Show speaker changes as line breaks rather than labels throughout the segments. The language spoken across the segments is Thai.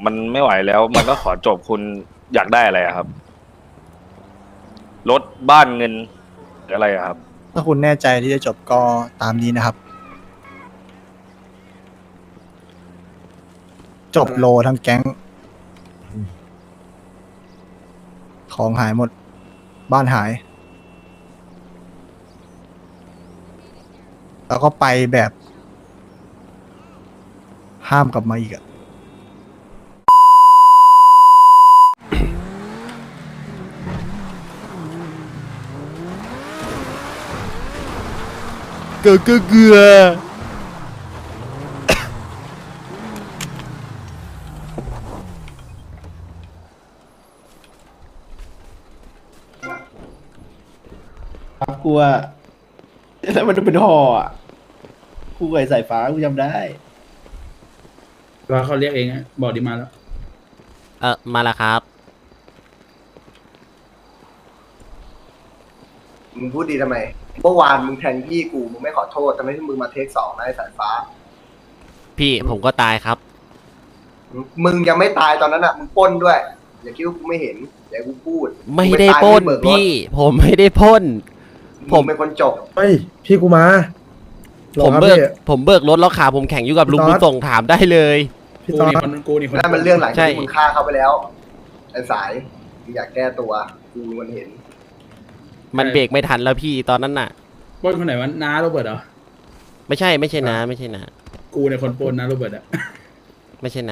มันไม่ไหวแล้ว มันก็ขอจบคุณอยากได้อะไรอะครับรถบ้านเงินหรืออะไรอะครับ
ถ้าคุณแน่ใจที่จะจบก็ตามนี้นะครับ จบโลทั้งแก๊ง ของหายหมด บ้านหาย แล้วก็ไปแบบ ห้ามกลับมาอีกอะเกลือ
ครับกูว่าแล้วมันจะเป็นห่ออ่ะกูไก่สายฟ้ากูจำได้
ว่าเขาเรียกเองอะบอกดีมาแล้ว
มาแล้วครับ
มึงพูดดีทำไม เมื่อวานมึงแทงพี่กู มึงไม่ขอโทษทำไมที่มึงมาเทคสองนะไอ้สายฟ้า
พี่ผมก็ตายครับ
มึงยังไม่ตายตอนนั้นอ่ะ มึงปล้นด้วย อย่าคิดว่ากูไม่เห็นอย่ากูพูด
ไม่ได้
งตาย
ปล้น
มึงเบิกรถ
พี่ ผมไม่ได้ปล้น ผ
มึ
ม
งเป็นคนจบ
เฮ้ยพี่กูมา
ผมเบิกรถแล้วขาผมแข็งอยู่กับลุงบุญส่งถามได้เลย
พี่
กู
ตอน
นี่คนกูนี่คน
นั่นมันเรื่องหลัง
ใช่
จากที่มึงฆ่าเขาไปแล้ว ไอ้สายมึงอยากแก้ตัว กูมันเห็น
มันเบรกไม่ทันแล้วพี่ตอนนั้นน่ะ
ปล้นคนไหนวะน้าโรเบิร์ตเหรอ
ไม่ใช่นะไม่ใช่นะ
กูเนี่ยคนปล้นน้าโรเบิร์ตอะ
ไม่ใช่นะ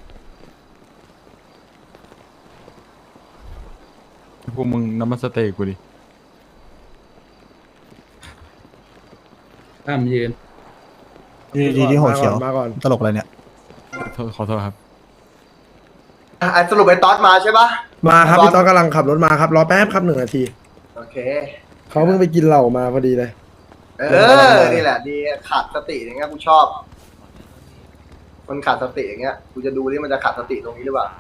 พวกมึงน้ำมันสเต็กกูดิ
ตามยืน
ดีที่หัวเขียว
มาก่อน
ตลกอะไรเนี่ย
ขอโทษครับ
อ่ะสรุปไอ้ต๊อดมาใช่ปะ
มาครับพี่ตอนกำลังขับรถมาครับรอแป๊บครับ1 นาที
โอเค
เขาเพิ่งไปกินเหล้ามาพอดีเลย
เออ นี่แหละ ดีขาดสติอย่างเงี้ยกูชอบ คนขาดสติอย่างเงี้ย กูจะดูที่มันจะขาดสติตรงนี้หรือเปล่า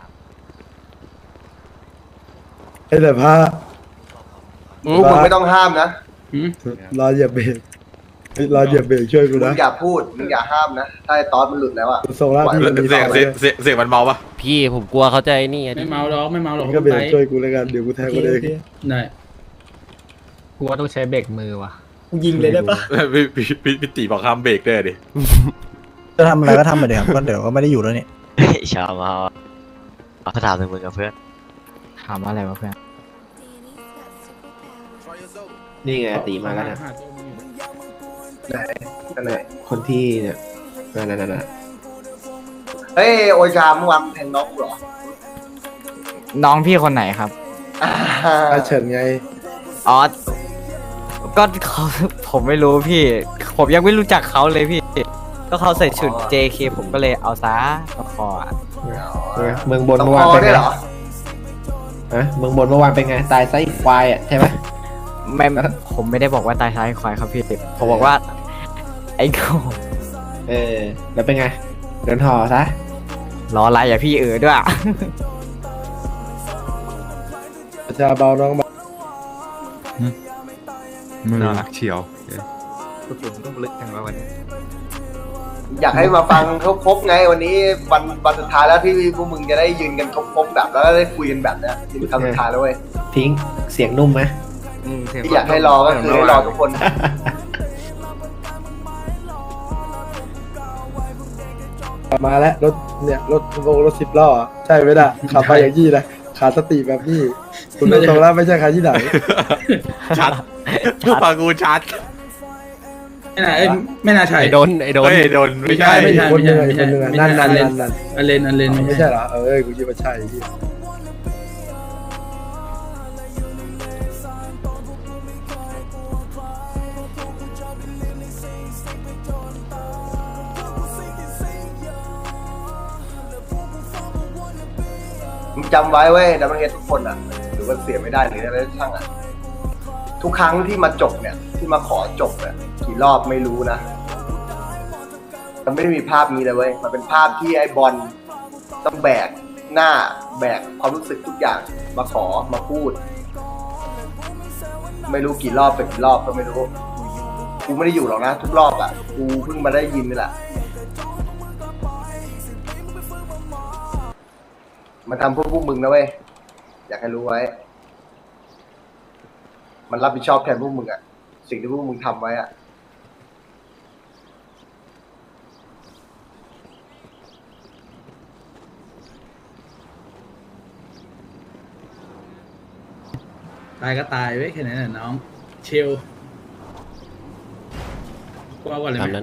ไอ้แต่ผ้า
พวกมึงไม่ต้องห้ามนะ
หืม
รอเหยียบเบรกเฮ้ยรอเหยียบเบรกช่วยกู
มึ
นะ
งอย่าพูด มึงอย่าห้ามนะ ถ้าไอ้ต๊อดมันหลุดแล้วอ่ะ
ส่งแล้วพี่มันมี
เสียง
ต่อ
เสียง
เลย
เสียงเสียงมันเมาปะ
พี่ผมกลัวเขาใจนี่อะดิ
ไม่เมาหรอกไม่เมาหรอก
มึงก็เบร
ไป
กช่วยกูแล้วกันเดี๋ยวกูแทงกูเอง
ได้
กูว่าต้องใช้เบรกมือว่ะ
ยิงเลยได้ปะ
พี่ตีบอกห้ามเบรกด้วยดิ
จะทำอะไรก็ทำไปเลยครับก็เดี๋ยวก็ไม่ได้อยู่แล้วนี่
ชาวมาเขาถามถึงมึงกับเพื่อน
ถามว่าอะไรวะเพื่อน
นี่ไงตีมาแล้วนะ
ไหนอันไหน
คนที่เนี่ยนั่น
เฮ้ย โอชาเมื่อวานมึงแทงน้องกูเหรอ
น้องพี่คนไหนครับ
อาเฉินไง
อ๋อ ก็เขา ผมไม่รู้พี่ ผมยังไม่รู้จักเขาเลยพี่ ก็เขาใส่ชุด JK ผมก็เลยเอาซะมาคออะ
เมืองบน
ต้อง
เมื่อวาน
คอ
เป็น
ได้
ไง
เหรอ
ฮะเมืองบนเมื่อวานเป็นไง ตายไส้ควายอ่ะใช่ไหม
ไม่ผมไม่ได้บอกว่าตายซ้ายควายครับพี่ ผมบอกว่า ไอ้โง่
เออ แล้วเป็นไงเดินห่อซะ
รออะไรอย่าพี่ด้วย
ประชาเบาน้องเบา
มือรักเฉียว
ต้องลึกจังว่าวันนี้
อยากให้มาฟังครบๆไง วันนี้วันสุดท้ายแล้วที่พวกมึงจะได้ยืนกันครบๆแบบแล้วก็ได้คุยกันแบบเนี้ยนี่เป็นคำสุดท้ายแล้วเว้ย
ทิ้งเสียงนุ่มไหม
ที่อยากให้รอก็คือให้รอทุกคน
มาแล้วรถเนี่ยรถ10 ล้ออะใช่ไหมล่ะขับไปอย่างนี้นะขาดสติแบบนี้คุณดูตรงแล้วไม่ใช่ใครที่ไหน
ชัดปากกูชัด
ไม่น่าไม่น่าใช่
ไอ้โดน
เฮ้ยโดนไม่ใช่
ไม่ใช่
คนหนึ่งอีกคนหนึ่งอะนั่น
อันเลน
นั่น
อันเลน
ไม่ใช่เหรอเอ้ยกูคิดว่าใช่พี่
มึงจำไว้เว้ยดับเบิลเฮดทุกคนอ่ะ หรือว่าเสียไม่ได้หรืออะไรช่างอ่ะ ทุกครั้งที่มาจบเนี่ย ที่มาขอจบเนี่ยกี่รอบไม่รู้นะ มันไม่ได้มีภาพนี้เลยเว้ย มันเป็นภาพที่ไอ้บอลต้องแบกหน้าแบกความรู้สึกทุกอย่างมาขอมาพูด ไม่รู้กี่รอบเป็นกี่รอบก็ไม่รู้ กูไม่ได้อยู่หรอกนะทุกรอบอ่ะ กูเพิ่งมาได้ยินนี่แหละมันทำเพื่อพวกมึงนะเว้ยอยากให้รู้ไว้ มันรับผิดชอบแทนพวกมึงอะสิ่งที่พวกมึงทำไว้อะ
ตายก็ตายไว้ยแค่นั้นแหละน้องเชลกูเอาก่อนเลย
ตาม
ไหม
นั้น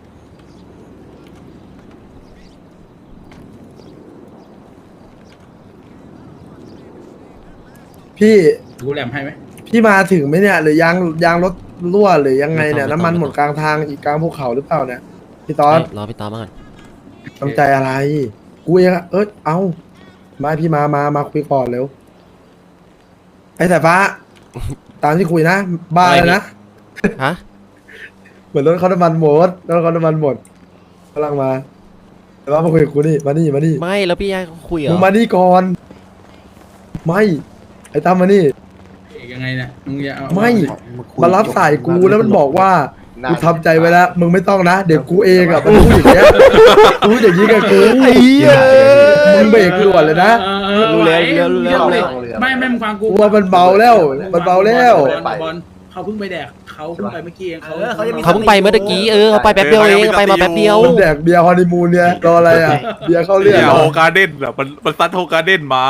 พี่
กูแหลมให้ไหม
พี่มาถึงไหมเนี่ย หรือยางรถรั่วหรือยังไงเนี่ยน้ำมันหมดกลางทางอีกกลางภูเขาหรือเปล่าเนี่ยพี่ตอน
รอพี่ตอมาก่อน
ทำใจอะไร กูเองอะเอามาพี่มาคุยก่อนเร็วไอ้สายฟ้า ตามที่คุยนะบ้าเลยนะ
ฮะ
เหมือนรถเขาน้ำมันหมดรถเขาน้ำมันหมดกำลังมาแต่ว่ามาคุยกับกูนี่มานี่
ไม่แล้วพี่ยายเขาคุยเหร
มึ
อง
มานี่ก่อน ไม่ไอ้ตั้มมานี่
เอกยังไงเนี่ยมึงอย่าเอา
ไม่มารับสายกูแล้วมันบอกว่ากูทำใจไว้แล้วมึงไม่ต้องนะเดี๋ยวกูเองอะมันพูดอย่างเงี้ยกูพูดอย่างนี้กับกูไอ้เหี้ยมึงเบรกด่วนเลยนะ
รู้แล้วรู้แล้ว
ไม่มึงฟังกู
กูว่ามันเบาแล้วมันเบาแล้ว
บอลเขาเพิ่งไปแดกเขาเพิ่งไปเมื่อกี้เองเขา
เขาเพิ่งไปเมื่อกี้เขาไปแป๊บเดียวเองไปมาแป๊บเดียว
มันแดกเบียร์ฮอนีมูนเนี่ยรออะไรอ่ะเบียร์เข้าเรื่อง
เนี่ย
เหรอ
โฮการ์เด้นอะมันซัดโฮการ์เด้นมา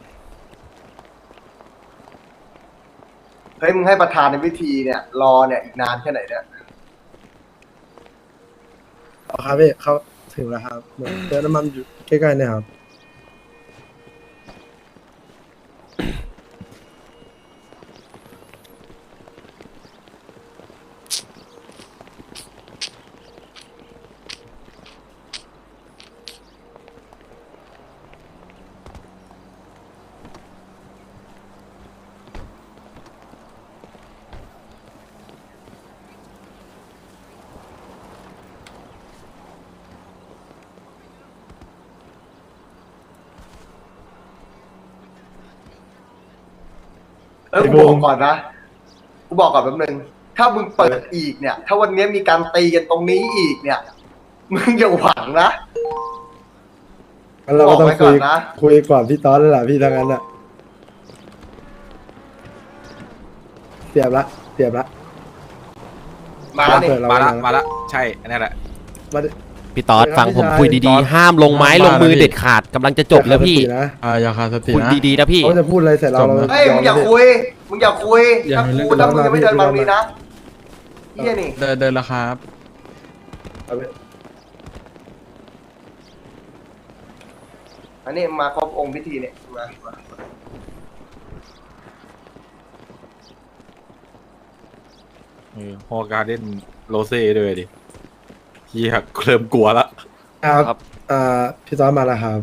เฮ้ยมึงให้ประธานในพิธีเนี่ยรอเนี่ยอีกนานแค่ไหนเนี่ย
เอาครับพี่เขาถึงแล้วครับเติมน้ำมันอยู่ใกล้ๆเนี่ยครับ
กูบอกก่อนนะกูบอกก่อนแป๊บนึงถ้ามึงเปิดอีกเนี่ย ถ้าวันนี้มีการตีกันตรงนี้อีกเนี่ยมึงอย่าหวังนะ
งั้นเราก็ต้อง
บอกไว้ก่
คุ
อย นนะ
คุยก่อนพี่ตอนแล้วล่ะพี่ทั้งนั้นอ่ะเสียบละ
มาแล้วนี่
เปิดเรา
มาละใช่อันนี้แหละ
มาดิ
พี่ตอดฟังผมคุยดีๆห้ามลงไม้ลงมือเด็ดขาดกำลังจะจบแล้วพี่
นะ
อย่าขาดสติ
คุย
นะ
ดีๆนะพี่
เขาจะพูดอะไรใส่เราเรา
เฮ้ยมึงอย่าคุยถ้ามึงยังไม่เดินมาตรงนี้นะเฮียนี่
เดินแล้วครับ
อันนี้มาครบองค์พิธีเนี่ยมา
โฮการ์เด้นโรเซ่ด้วยดิเฮียเริ่มกลัวละ
ครับพี่ตอนมาแล้วครับ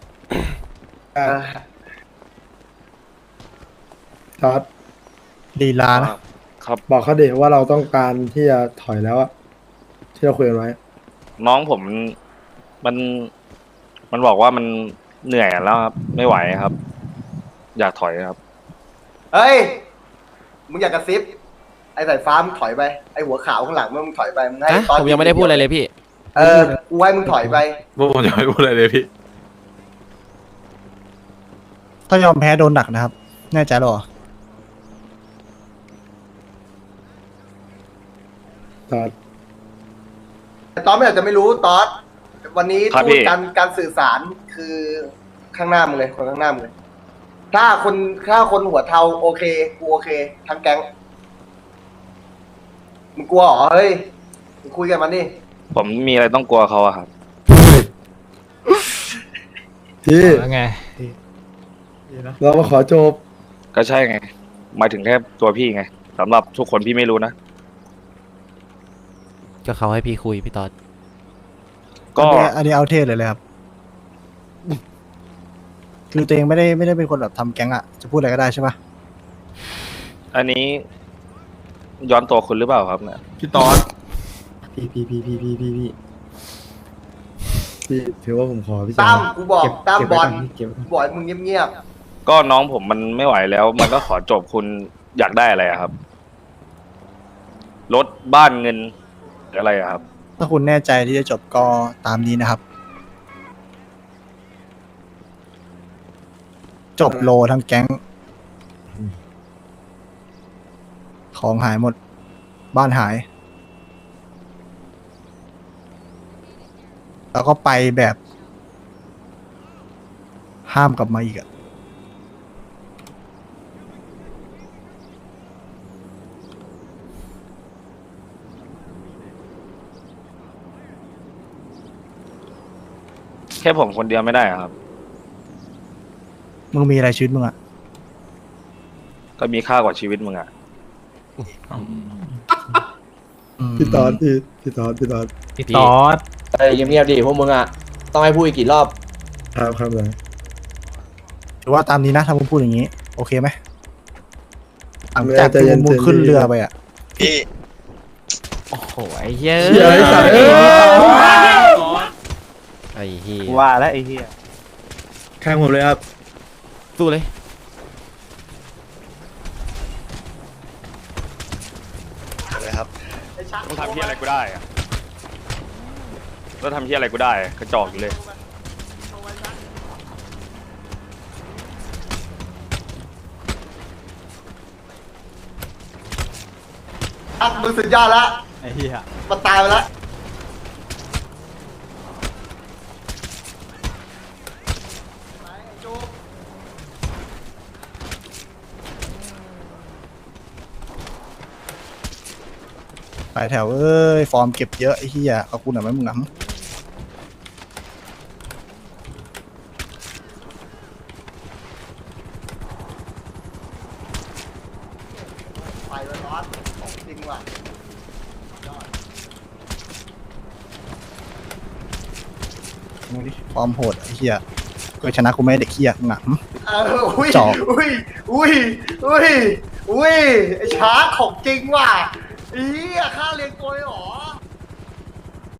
ตอด
ลีลานะ
ครับ
บอกเขาเด็ว่าเราต้องการที่จะถอยแล้วอะที่เราคุยกันไว้
น้องผมมันบอกว่ามันเหนื่อยแล้วครับ ไม่ไหวครับ อยากถอยครับ
เฮ้ยมึงอยากกระซิบไอ้สายฟ้ามึงถอยไปไอ้หัวขาวข้างหลังมึงถอยไปมึงให้
ฮะผมยังไม่ได้พูดอะไรเลยพี่
กูให้มึงถอยไป
พวกผมจะไม่พูดอะไรเลยพี่
ถ้ายอมแพ้โดนหนักนะครับ แน่ใจหรอ
ตอด
แต่ตอนไม่อาจจะไม่รู้ตอสวันนี้
ครับ
พู
พี่
ดการสื่อสารคือข้างหน้ามึงเลยคนข้างหน้ามึงเลยถ้าคนหัวเทาโอเคกูโอเคทั้งแก๊งมึงกลัวเหรอเฮ้ยมึงคุยกันมันนี่
ผมมีอะไรต้องกลัวเขาอะครับ
พี่
แล้วไง
เรามาขอจบ
ก็ใช่ไงหมายถึงแค่ตัวพี่ไงสำหรับทุกคนพี่ไม่รู้นะ
ก็เขาให้พี่คุยพี่ตอด
ก็
อันนี้เอาเทศเลยครับ คือตัวเองไม่ได้เป็นคนแบบทำแก๊งอะจะพูดอะไรก็ได้ใช่ปะ
อันนี้ย้อนตัวคุณหรือเปล่าครับเนี่ย
พี่ตอน
พี่ถือว่าผมขอพี่
ตั้
ชาม
กูบอกตั้มบอลกูบอกให้มึงเงียบ
ก็น้องผมมันไม่ไหวแล้ว มันก็ขอจบคุณอยากได้อะไรอะครับรถบ้านเงินหรืออะไรอะครับ
ถ้าคุณแน่ใจที่จะจบก็ตามนี้นะครับจบโลทั้งแก๊ง ของหายหมด บ้านหาย แล้วก็ไปแบบ ห้ามกลับมาอีกอะ
แค่ผมคนเดียวไม่ได้อะครับ
มึงมีอะไรชีวิตมึงอะ
ก็มีค่ากว่าชีวิตมึงอะ
พี่ตอนพี่ตอน
พี่ตอด
เงียบๆดิพวกมึงอ่ะต้องให้พูดอีกกี่รอบ
ครับเลย
ถือว่าตามนี้นะถ้ามึงพูดอย่างนี้ โอเคไหมหลังจากที่มึงขึ้นเรือไปอะ
โอ้โหไอ้เหี้ย
เหี้ยไอ้สัตว์เอ้ย
ไอ้เหี้ย
ว่าแล้วไอ้เหี้ย
ข้างผมเลยครับ
สู้เลย
มึงทำเฮียอะไรกูได้อะแล้วทำเฮียอะไรกูได้อะกระจอกอยู่เลย
อ่ะมึงสุดยอดแล้ว
ไอ้เหี้ย
มันตายไปแล้ว
หลายแถวเอ้ย ฟอร์มเก็บเยอะไอ้เหี้ยขอบคุณหน่อยไหมมึงน้ำ
ไปเลยร้อนของจริงว่ะ
มึงดิฟอร์มโหดไอ้เหี้ยเคยชนะกูไหมเด็กเหี้ยมึงอะ
อุ้ย
จอก
อุ้ยอุ้ยอุ้ยอุ้ยไอ้ช้าของจริงว่ะอีค่าเรียนตัวเลยเหรอ